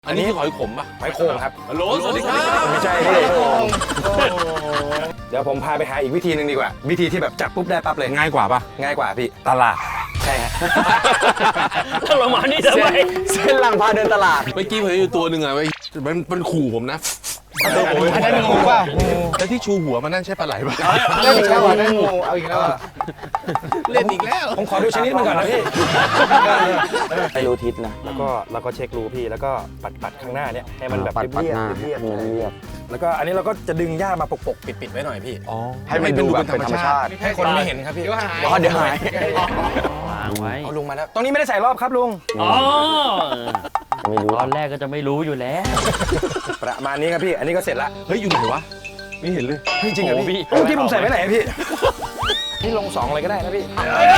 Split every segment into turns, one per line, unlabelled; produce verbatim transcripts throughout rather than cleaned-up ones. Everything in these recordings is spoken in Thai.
อันนี้คือหอยขมป่ะ
หอยโข่งครับ
ฮัลโหลสวัสดีครับ
ไม่ใช่พี่เดี๋ยวผมพาไปหาอีกวิธีหนึ่งดีกว่าวิธีที่แบบจับปุ๊บได้ปั๊บเลย
ง่ายกว่าป่ะ
ง่ายกว่าพี่ตลาดใช่ฮะ
ถ้าเรามานี่ทำไม
เส้นหลังพาเดินตลาด
เมื่อกี้ผมอยู่ตัวหนึ่งอะมันมันขู่ผมนะ
อันนั้นงูป่ะ
แล้วที่ชูหัวมันนั่นใช่ปลาไหลป่ะ
ไม่ใช่ว่านั่นงูเอาอีกแล้ว
เล่นอีกแล้ว
ผมขอดูชนิดมันก่อนนะพี่
ให้รู้ทิศนะ
แล้วก็เราก็เช็ครูพี่แล้วก็ปัดปัดข้างหน้าเนี่ยให้มันแบบ
ปัดปัด
เรียบ
หน้า
ๆเรียบ
เรียบเรียบ
ๆแล้วก็อันนี้เราก็จะดึงหญ้ามาปกๆปิดๆไว้หน่อยพี่
อ๋อ
ให้มันดูแบบเป็นธรรมชาติ
ให้คนไม่เห็นครับพี่
อ๋อเดี๋ยวหาย
วางไว้
เอาลุงมาแล้วตรงนี้ไม่ได้ใส่รอบครับลุง
อ๋อ
ไม่รู้
ตอนแรกก็จะไม่รู้อยู่แล้ว
ประมาณนี้ครับพี่อันนี้ก็เสร็จละ
เฮ้ยอยู่ไหนวะไม่เห็นเลย
จริงๆเหรอ
โอ้
พี่
พี่
เมื่อกี้ผมใส่ไว้ไหนอะพี่พี่ลงสองเลยก็ได้นะพี่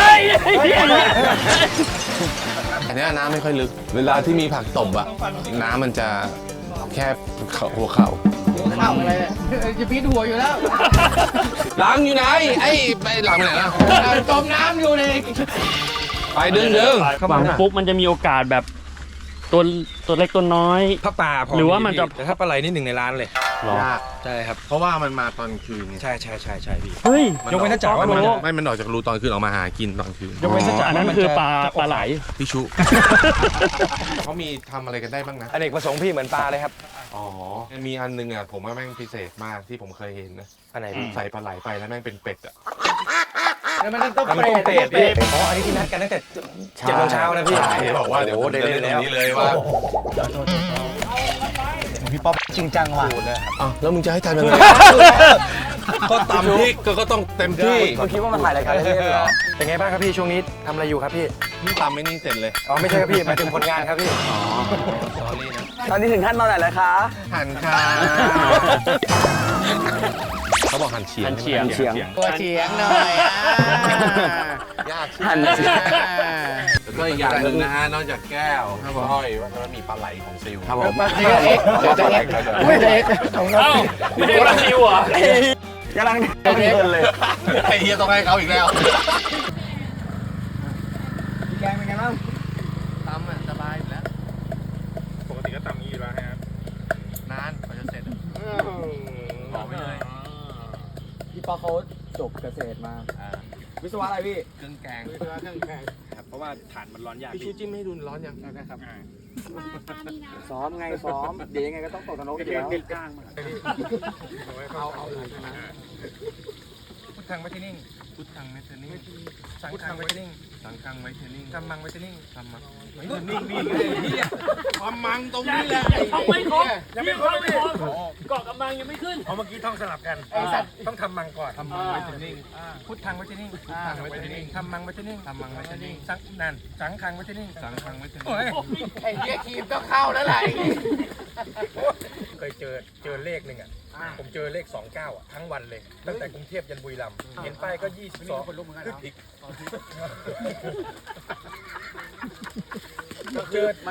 อันนี้น้ำไม่ค่อยลึก เวลาที่มีผักตบอะน้ำมันจะแค่หัวเข่า
เข้าอะไรเนี่ยจะพีดหัวอยู่แล้ว
หลังอยู่ไหนไอ้ไปหลังไปไหนล่ะ
จมน้ำอยู่เลย
ไปดึงดึง
วางปุ๊บมันจะมีโอกาสแบบตัวตัวเล็กตัวน้อย
ถ้าปลาพอ
หรือว่ามันจะ
แต่ถ้าปลาไหลนี่หนึ่งในร้านเลย
หรอ
ยาก
ใช่ครับ
เพราะว่ามันมาตอนคืนไง
ใช่ใช่ใช่ใช่พี่
เฮ้ย
ยกเว้นถ้าจ๋าว่ามันจะ
ไม่มันออกจากรูตอนคืนออกมาหากินตอนคืน
ยกเว้นถ้าจ๋า
อันนั้นคือปลาปลาไหล
พี่ชุ เขามีทำอะไรกันได้บ้างนะ
อเนกประสงค์พี่เหมือนปลาเลยครับ
อ๋อมีอันนึงอะผมว่าแม่งพิเศษมากที่ผมเคยเห็นนะ
อันไหนพี่
ใส่ปลาไหลไปแล้วแม่งเป็นเป็ดอะ
แล้วมันต้อง
มัน
เปร
ต้ม
ต
เตะพี่อ๋ออันนี้ที่นัดกันตั้งแต่เจ็ดโมงเช้านะพี่
บอกว่าเดี๋ยว
โอ้
ผม
ได้
จะ
เล
เล่
ย
นตร
แล้ว
งนี้เลยว่า
พี่ป๊อปจริงจังว่ะ
อ้าวแล้วมึงจะให้ทำยังไงก็ตำพริกก็ก็ต้องเต็มที่
คุณคิดว่ามันถ่ายรายการเล่นๆเหรอ
เป็นไงบ้างครับพี่ช่วงนี้ทำอะไรอยู่ครับพี่
นี่ตำไม่นี่เสร็จเลย
อ๋อไม่ใช่ครับพี่หมายถึงผลงานครับพี่
สอรี่นะ
ตอนนี้ถึงขั้นตอนไหนแล้วคะ
หั่นค่ะเขาบอกหั่นเฉียง
หั่นเฉียง
เฉียง
ตัวเฉียงหน่อยอ่ะ
ยาก
หั่นเฉียง
แล้วก็อีกอย่างหนึ่งนะฮะนอกจากแก้วสร้อยว่ามันมีปลาไหลของซิล
ครับผม
เดี๋ยวเอ็กเดี๋ยวจะเอ็กไม่เอ็กของเรา
เอ้าไม่ได้ปลาซิวเหรอ่ะ
กำลังเพลินเลย
ไอ้เฮียต้องให้เขาอีกแล้ว
แกงเป็นไงบ้าง
ตำอ่ะสบายอยู่แล้ว
ปกติก็ตำนี้อยู่แล้วครับ
นานกว่าจะเสร็จบอกไม่เลย
พี่ป๊อปเขาจบเกษตรมา วิศวะอะไรพี่
เครื่องแกง
ครับเพราะว่าถ่านมันร้อนยาก
พี่ชูจิ้มให้ดูร้อนยังนะครับ
ซ้อมไงซ้อม เดี๋ยวยังไงก็ต้องตกนรกอยู่แล้ว
เอาเอาพุทธังไว้ที่นิ่ง
พุทธังเมทนิ่ง
สังฆังไว้ที่นิ่ง
สังฆังไว้เทนิ่ง
กัมมังไว้ที่นิ่ง
ทำมาไว้เทนิ่งนี่ไงพี่ความมังตรงนี้แหละ
ทำไม่ครบยังไม่ครบไม่ครบเกาะกำลังยังไม่ขึ้น
เอาเมื่อกี้ท่องสลับกัน
ไอ้สัตว์
ต้องทำมังก่อน
ทำมังไว้เทนิ่ง
พุทธังไว้ที่นิ่ง
พุทธังไว้เทนิ่ง
ทำมังไว้ที่นิ่ง
ทำมังไว้เทนิ่ง
สังนั่นสังฆังไว้ที่นิ่ง
สังฆังไว้เทนิ่ง
โอ้ย
ไอ้เหี้ยครีมก็เข้าแล้วแหละ
เคยเจอเจอเลขหนึ่งอ่ะผมเจอเลขสองเก้าอ่ะทั้งวันเลย ตั้งแต่กรุงเทพยันบุรีรัมย์เห็นป้ายก็ยี่สิบสองคนลุกเหมือนกันเจอ